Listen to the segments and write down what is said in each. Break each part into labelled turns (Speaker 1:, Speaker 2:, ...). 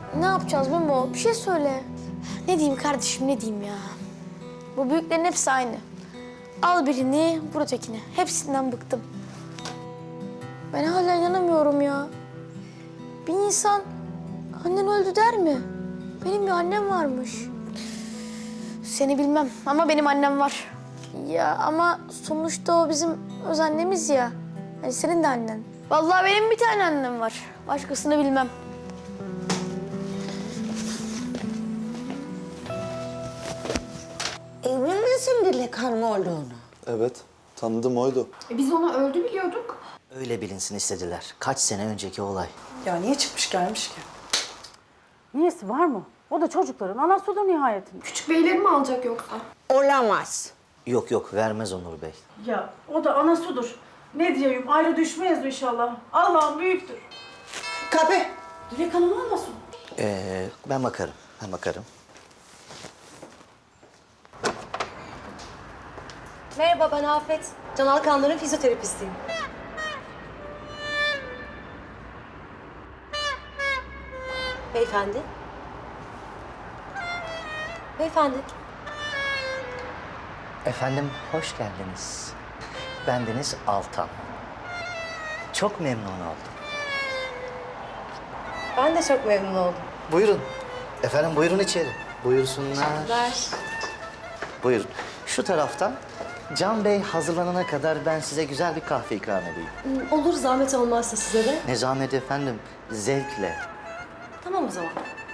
Speaker 1: Ne yapacağız Memo? Bir şey söyle. Ne diyeyim kardeşim, ne diyeyim ya? Bu büyüklerin hepsi aynı. Al birini, vur ötekini. Hepsinden bıktım. Ben hala inanamıyorum ya. Bir insan annen öldü der mi? Benim bir annem varmış. Seni bilmem ama benim annem var. Ya ama sonuçta o bizim öz annemiz ya. Hani senin de annen. Vallahi benim bir tane annem var. Başkasını bilmem.
Speaker 2: Emin misin Dilek Hanım olduğunu?
Speaker 3: Evet, tanıdım oydu.
Speaker 4: Biz ona öldü biliyorduk.
Speaker 5: Öyle bilinsin istediler. Kaç sene önceki olay.
Speaker 6: Ya niye çıkmış gelmiş ki?
Speaker 7: Niyesi var mı? O da çocukların anası da nihayetinde.
Speaker 4: Küçük beyleri mi alacak yoksa?
Speaker 2: Olamaz.
Speaker 5: Yok yok vermez Onur Bey.
Speaker 7: Ya o da anasıdır. Ne diyeyim ayrı düşmeyiz inşallah. Allah'ım büyüktür.
Speaker 2: Kapı.
Speaker 7: Dilek Hanım olmasın?
Speaker 5: Ben bakarım. Ben bakarım.
Speaker 8: Merhaba, ben Afet. Can Alkanların fizyoterapistiyim. Beyefendi. Beyefendi.
Speaker 5: Efendim hoş geldiniz. Bendeniz Altan. Çok memnun oldum.
Speaker 8: Ben de çok memnun oldum.
Speaker 5: Buyurun. Efendim buyurun içeri. Buyursunlar.
Speaker 8: Ver.
Speaker 5: Buyurun. Şu taraftan Can Bey hazırlanana kadar ben size güzel bir kahve ikram edeyim.
Speaker 8: Olur, zahmet olmazsa size de.
Speaker 5: Ne zahmet efendim. Zevkle.
Speaker 8: Tamam o zaman.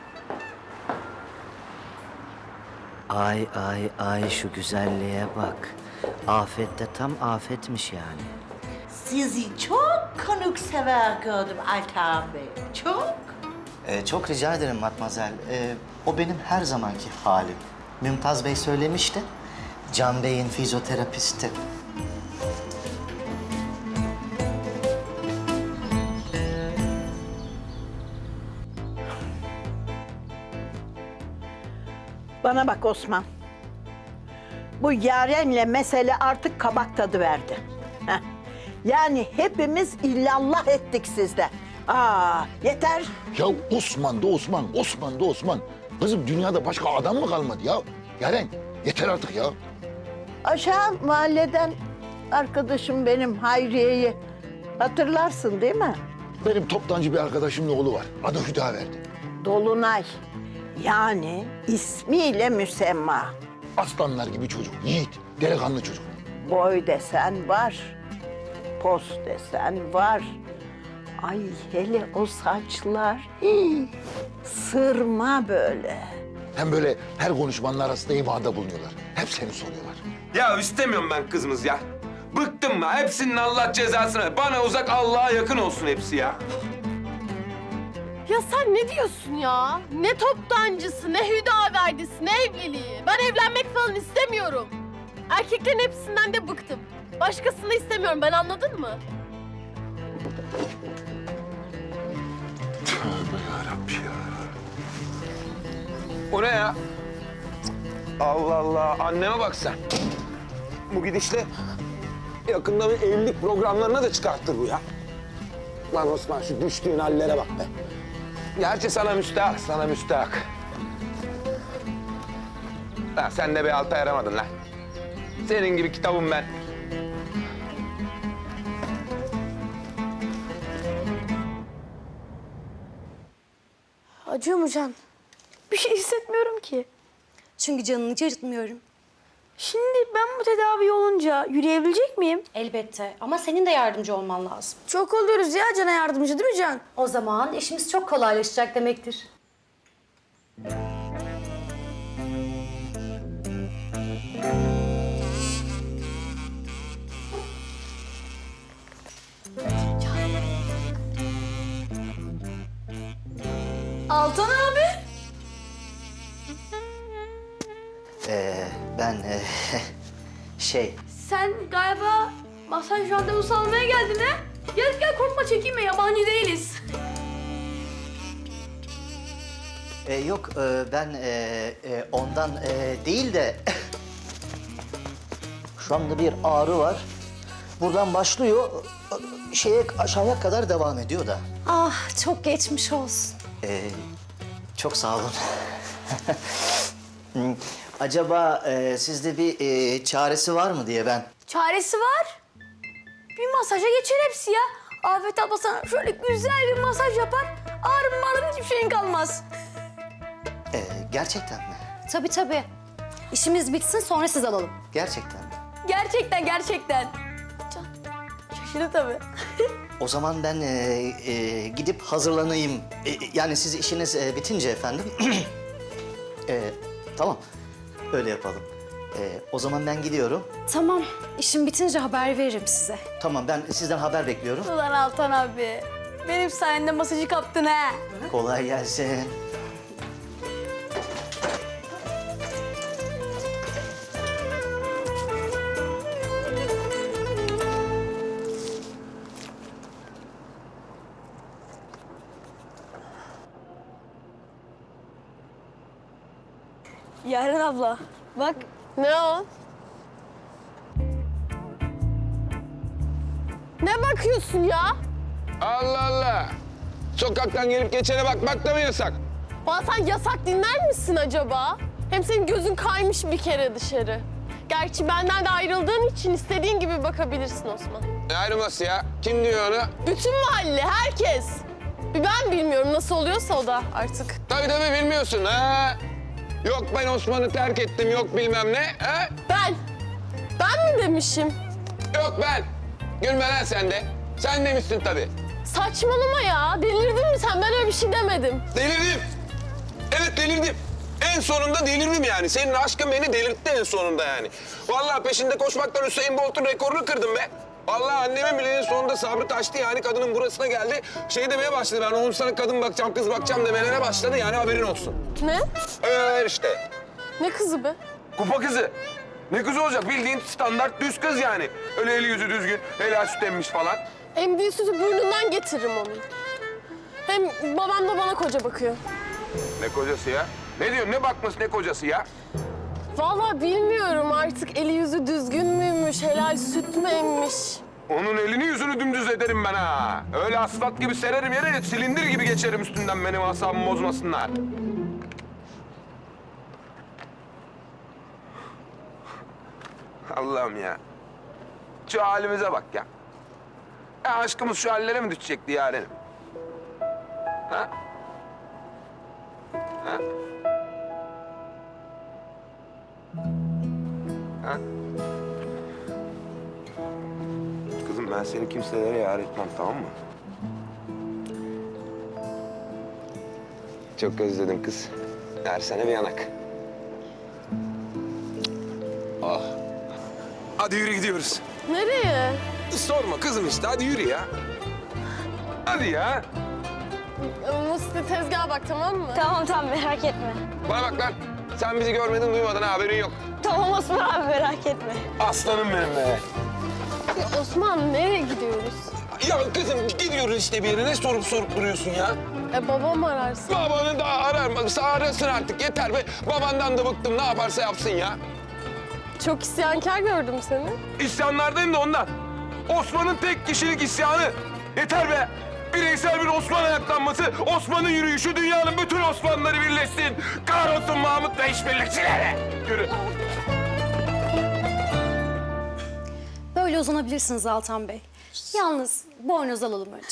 Speaker 5: Ay ay ay şu güzelliğe bak. Afet de tam afetmiş yani.
Speaker 2: Sizi çok konuksever gördüm Altan Bey. Çok.
Speaker 5: Çok rica ederim Matmazel. O benim her zamanki halim. Mümtaz Bey söylemişti. Can Bey'in fizyoterapisti.
Speaker 9: Bana bak Osman. Bu Yaren'le mesele artık kabak tadı verdi. Heh. Yani hepimiz illallah ettik sizde. Yeter.
Speaker 10: Ya Osman da Osman, Osman da Osman. Kızım dünyada başka adam mı kalmadı ya? Yaren yeter artık ya.
Speaker 9: Aşağı mahalleden arkadaşım benim Hayriye'yi hatırlarsın değil mi?
Speaker 10: Benim toptancı bir arkadaşımın oğlu var. Adı Hüdaverdi.
Speaker 9: Dolunay. Yani ismiyle müsemma.
Speaker 10: Aslanlar gibi çocuk, yiğit, delikanlı çocuk.
Speaker 9: Boy desen var. Pos desen var. Ay hele o saçlar. Hii, sırma böyle.
Speaker 10: Hem böyle her konuşmanın arasında imada bulunuyorlar. Hep seni soruyorlar.
Speaker 11: Ya istemiyorum ben kızımız ya. Bıktım mı? Hepsinin Allah cezasını. Bana uzak, Allah'a yakın olsun hepsi ya.
Speaker 1: Ya sen ne diyorsun ya? Ne toptancısı, ne hüdaverdisi, ne evliliği. Ben evlenmek falan istemiyorum. Erkeklerin hepsinden de bıktım. Başkasını istemiyorum, ben anladın mı?
Speaker 10: Tövbe yarabbim ya.
Speaker 11: O ne ya? Allah Allah. Anneme bak sen. Bu gidişle yakında bir evlilik programlarına da çıkartır bu ya. Lan Osman şu düştüğün hallere bak be. Gerçi sana müstahak, sana müstahak. Ha, sen de bir alta yaramadın lan. Senin gibi kitabım ben.
Speaker 1: Acıyor mu Can? Bir şey hissetmiyorum ki.
Speaker 8: Çünkü canını hiç acıtmıyorum.
Speaker 1: Şimdi ben bu tedavi olunca yürüyebilecek miyim?
Speaker 8: Elbette ama senin de yardımcı olman lazım.
Speaker 1: Çok oluyoruz ya Can'a yardımcı değil mi Can?
Speaker 8: O zaman işimiz çok kolaylaşacak demektir.
Speaker 1: Altan abi.
Speaker 5: Ben şey...
Speaker 1: Sen galiba masaj randevusu almaya geldin ha? Gel gel korkma çekinme yabancı değiliz.
Speaker 5: Yok ben ondan değil de... Şu anda bir ağrı var. Buradan başlıyor, aşağıya kadar devam ediyor da.
Speaker 8: Ah, çok geçmiş olsun.
Speaker 5: Çok sağ olun. Acaba sizde bir çaresi var mı diye ben...
Speaker 1: Çaresi var. Bir masaja geçer hepsi ya. Afet abla sana şöyle güzel bir masaj yapar. Ağrım ağrım hiçbir şeyin kalmaz.
Speaker 5: Gerçekten mi?
Speaker 8: Tabii. İşimiz bitsin sonra siz alalım.
Speaker 5: Gerçekten mi?
Speaker 1: Gerçekten. Şaşırdı tabii.
Speaker 5: O zaman ben gidip hazırlanayım. Yani siz işiniz bitince efendim. Tamam, öyle yapalım. O zaman ben gidiyorum.
Speaker 8: Tamam. İşim bitince haber veririm size.
Speaker 5: Tamam, ben sizden haber bekliyorum.
Speaker 1: Ulan Altan abi. Benim sayemde masajı kaptın ha.
Speaker 5: Kolay gelsin.
Speaker 1: Yaren abla bak.
Speaker 4: Ne o? Ne bakıyorsun ya?
Speaker 11: Allah Allah. Sokaktan gelip geçene bakmak da mı yasak?
Speaker 4: Bana sen yasak dinler misin acaba? Hem senin gözün kaymış bir kere dışarı. Gerçi benden de ayrıldığın için istediğin gibi bakabilirsin Osman.
Speaker 11: Ne ayrılması ya? Kim diyor onu?
Speaker 4: Bütün mahalle, herkes. Bir ben bilmiyorum nasıl oluyorsa o da artık.
Speaker 11: Tabii bilmiyorsun ha. Yok ben Osman'ı terk ettim, yok bilmem ne. Ha?
Speaker 4: Ben mi demişim?
Speaker 11: Yok ben. Gülme lan sen de. Sen demişsin tabii.
Speaker 4: Saçmalama ya. Delirdin mi sen? Ben öyle bir şey demedim.
Speaker 11: Delirdim. Evet delirdim. En sonunda delirdim yani. Senin aşkın beni delirtti en sonunda yani. Vallahi peşinde koşmaktan Hüseyin Bolt'un rekorunu kırdım be. Vallahi annemin bile en sonunda sabrı taştı yani kadının burasına geldi. Şey demeye başladı ben oğlum sana kadın bakacağım, kız bakacağım demelere başladı yani haberin olsun.
Speaker 4: Ne?
Speaker 11: Öyle işte.
Speaker 4: Ne kızı be?
Speaker 11: Kupa kızı. Ne kızı olacak? Bildiğin standart düz kız yani. Öyle eli yüzü düzgün, helal süt emmiş falan.
Speaker 4: Emdiği sütü burnundan getiririm onun. Hem babam da bana koca bakıyor.
Speaker 11: Ne kocası ya? Ne diyorsun? Ne bakması ne kocası ya?
Speaker 4: Vallahi bilmiyorum artık eli yüzü düzgün müymüş, helal süt mü emmiş?
Speaker 11: Onun elini yüzünü dümdüz ederim ben ha. Öyle asfalt gibi sererim yere, silindir gibi geçerim üstünden benim asabımı bozmasınlar. Allah'ım ya. Şu halimize bak ya. Ya aşkımız şu hallere mi düşecekti yarenim? Ha? Ha? Ha? Kızım ben seni kimselere yar etmem, tamam mı? Çok özledim kız. Versene bir yanak. Ah. Hadi yürü gidiyoruz.
Speaker 4: Nereye?
Speaker 11: Sorma kızım işte, hadi yürü ya. Hadi ya.
Speaker 4: Musti tezgaha bak tamam mı?
Speaker 8: Tamam merak etme.
Speaker 11: Bana bak lan. Sen bizi görmedin, duymadın ha, haberin yok.
Speaker 8: Tamam Osman abi merak etme.
Speaker 11: Aslanım benim be.
Speaker 4: Ya Osman nereye gidiyoruz?
Speaker 11: Ya kızım gidiyoruz işte bir yere. Ne sorup duruyorsun ya?
Speaker 4: Babam ararsın.
Speaker 11: Babanı daha ararsa arasın artık. Yeter be. Babandan da bıktım. Ne yaparsa yapsın ya.
Speaker 4: Çok isyankar gördüm seni.
Speaker 11: İsyanlardayım da ondan. Osman'ın tek kişilik isyanı. Yeter be. Bireysel bir Osman ayaklanması, Osman'ın yürüyüşü, dünyanın bütün Osmanlıları birleşsin. Kahrolsun Mahmut ve işbirlikçileri. Yürü.
Speaker 8: Böyle uzanabilirsiniz Altan Bey. Yalnız boynuz alalım önce.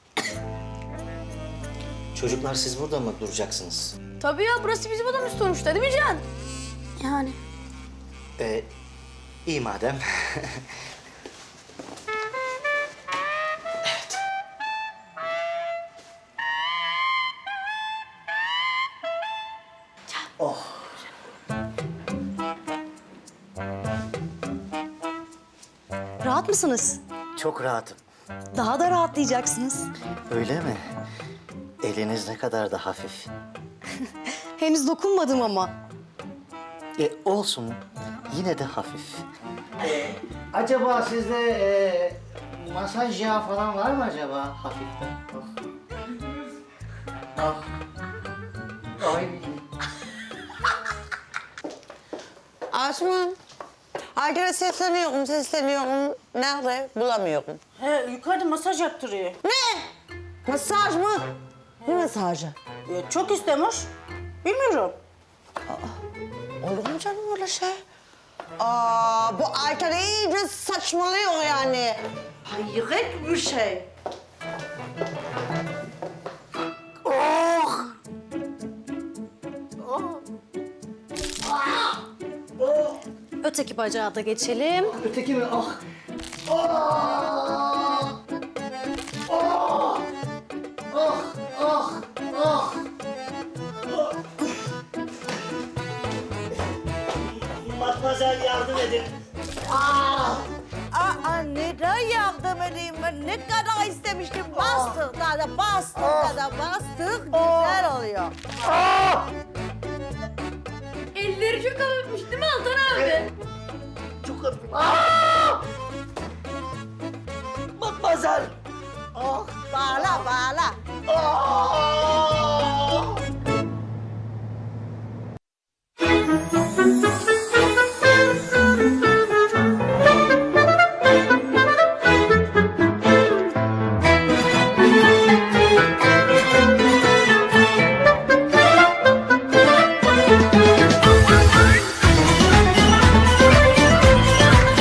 Speaker 5: Çocuklar siz burada mı duracaksınız?
Speaker 1: Tabii ya burası bizim odamız sonuçta değil mi Can? Yani.
Speaker 5: İyi madem.
Speaker 8: Rahat mısınız?
Speaker 5: Çok rahatım.
Speaker 8: Daha da rahatlayacaksınız.
Speaker 5: Öyle mi? Eliniz ne kadar da hafif.
Speaker 8: Henüz dokunmadım ama.
Speaker 5: Olsun. Yine de hafif. Acaba sizde masaj yağı falan var mı acaba hafif? Ay.
Speaker 2: Osman. Herkese sesleniyorum. Nerede? Bulamıyorum.
Speaker 7: He yukarıda masaj yaptırıyor.
Speaker 2: Ne? Masaj mı? Ne masajı?
Speaker 7: Çok istemiş. Bilmiyorum.
Speaker 2: Olur mu canım öyle şey? Bu Ayten iyice saçmalıyor yani.
Speaker 7: Hayret bir şey.
Speaker 8: Öteki bacağa da geçelim.
Speaker 5: Öteki mi? Ah! Matmazel yardım edin.
Speaker 2: Neden yardım edeyim ben? Ne kadar istemiştim. Bastık da bastık da bastık. Güzel oluyor.
Speaker 8: Elleri çok hafifmiş değil mi Altan abi?
Speaker 5: Çok hafif. Matmazel.
Speaker 2: Bağla bağla.
Speaker 5: Ah!